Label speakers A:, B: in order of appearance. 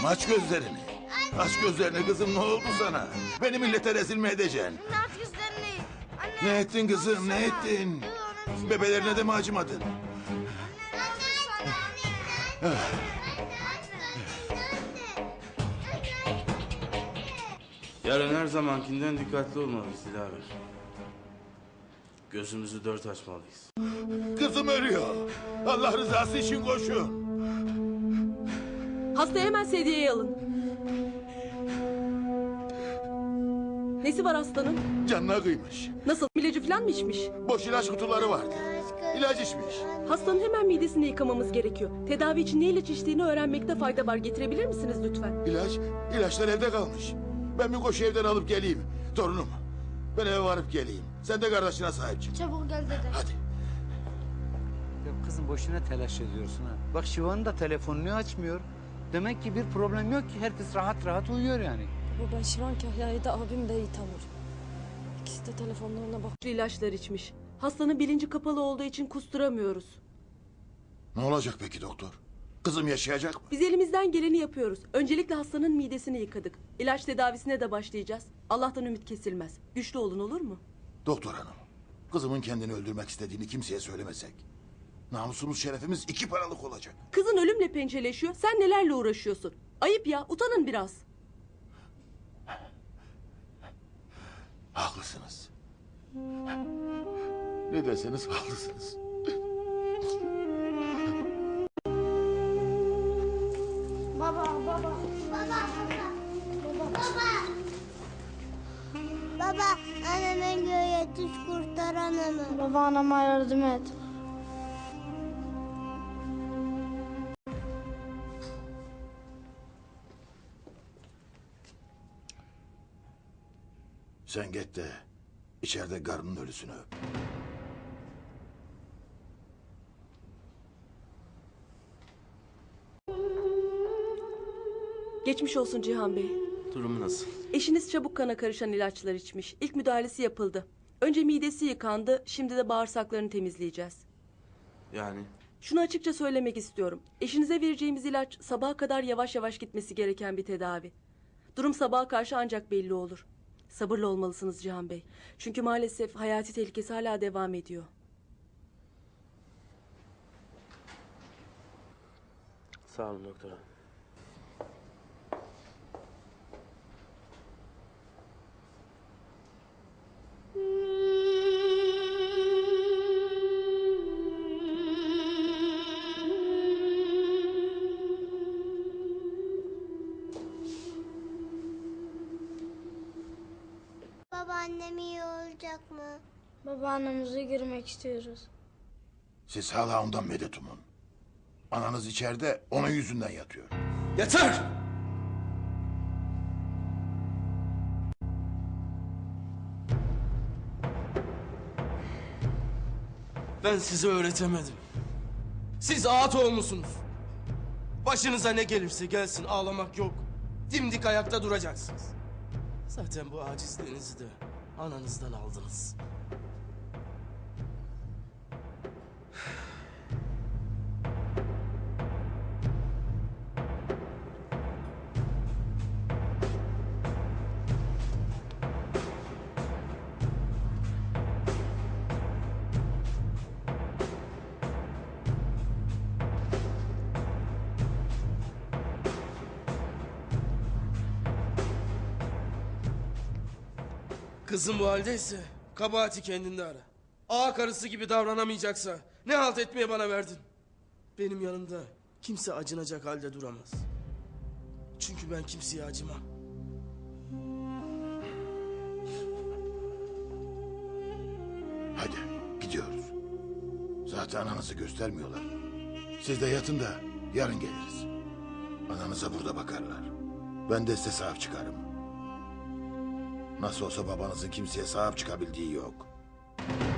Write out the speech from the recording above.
A: Aç gözlerini. Aç gözlerini kızım, ne oldu sana? Beni millete rezil mi edeceksin?
B: Aç gözlerini. Anne.
A: Ne ettin kızım, ne ettin? Bebelerine de mi acımadın?
C: Yarın her zamankinden dikkatli olmalıyız Dilaver. Gözümüzü dört açmalıyız.
A: Kızım ölüyor. Allah rızası için koşun.
D: Hastayı hemen sedyeye alın. Nesi var hastanın?
A: Canına kıymış.
D: Nasıl? İlacı falan mı içmiş?
A: Boş ilaç kutuları vardı. İlaç içmiş.
D: Hastanın hemen midesini yıkamamız gerekiyor. Tedavi için ne ilaç içtiğini öğrenmekte fayda var. Getirebilir misiniz lütfen?
A: İlaçlar evde kalmış. Ben bir koşu evden alıp geleyim. Torunum, ben eve varıp geleyim. Sen de kardeşine sahip çık.
B: Çabuk gel dede.
A: Hadi.
E: Ya kızım boşuna telaş ediyorsun ha. Bak Şivan'ın da telefonunu açmıyor. Demek ki bir problem yok ki, herkes rahat rahat uyuyor yani.
F: Baba ben Şivan Kahya'yı da abim de iyi tanır. İkisi de telefonlarına bak.
D: İlaçlar içmiş. Hastanın bilinci kapalı olduğu için kusturamıyoruz.
A: Ne olacak peki doktor? Kızım yaşayacak mı?
D: Biz elimizden geleni yapıyoruz. Öncelikle hastanın midesini yıkadık. İlaç tedavisine de başlayacağız. Allah'tan ümit kesilmez. Güçlü olun, olur mu?
A: Doktor hanım, kızımın kendini öldürmek istediğini kimseye söylemesek namusumuz, şerefimiz iki paralık olacak.
D: Kızın ölümle pençeleşiyor. Sen nelerle uğraşıyorsun? Ayıp ya, utanın biraz.
A: Haklısınız. Ne deseniz haklısınız.
B: Baba.
G: Baba, anneme göğe yetiş, kurtar anamı.
B: Baba anama yardım et.
A: Sen git de içeride karının ölüsünü öp.
D: Geçmiş olsun Cihan Bey.
C: Durumu nasıl?
D: Eşiniz çabuk kana karışan ilaçlar içmiş. İlk müdahalesi yapıldı. Önce midesi yıkandı, şimdi de bağırsaklarını temizleyeceğiz.
C: Yani
D: Şunu açıkça söylemek istiyorum. Eşinize vereceğimiz ilaç sabaha kadar yavaş yavaş gitmesi gereken bir tedavi. Durum sabaha karşı ancak belli olur. Sabırlı olmalısınız Cihan Bey. Çünkü maalesef hayati tehlikesi hala devam ediyor.
C: sağ olun doktor hanım.
G: Babaannem iyi olacak mı?
B: Babaannemize girmek istiyoruz.
A: Siz hala ondan medet umun. Ananız içeride, onun yüzünden yatıyor.
C: Yeter! Ben size öğretemedim. Siz ağat olmuşsunuz. Başınıza ne gelirse gelsin, ağlamak yok. Dimdik ayakta duracaksınız. Zaten bu acizliğinizi de ananızdan aldınız. Kızım bu haldeyse kabahati kendinde ara. Ağa karısı gibi davranamayacaksa ne halt etmeye bana verdin? Benim yanımda kimse acınacak halde duramaz. Çünkü ben kimseye acımam.
A: Hadi gidiyoruz. Zaten ananızı göstermiyorlar. Siz de yatın da yarın geliriz. Ananıza burada bakarlar. Ben de size sahip çıkarım. Nasıl olsa babanızın kimseye sahip çıkabildiği yok.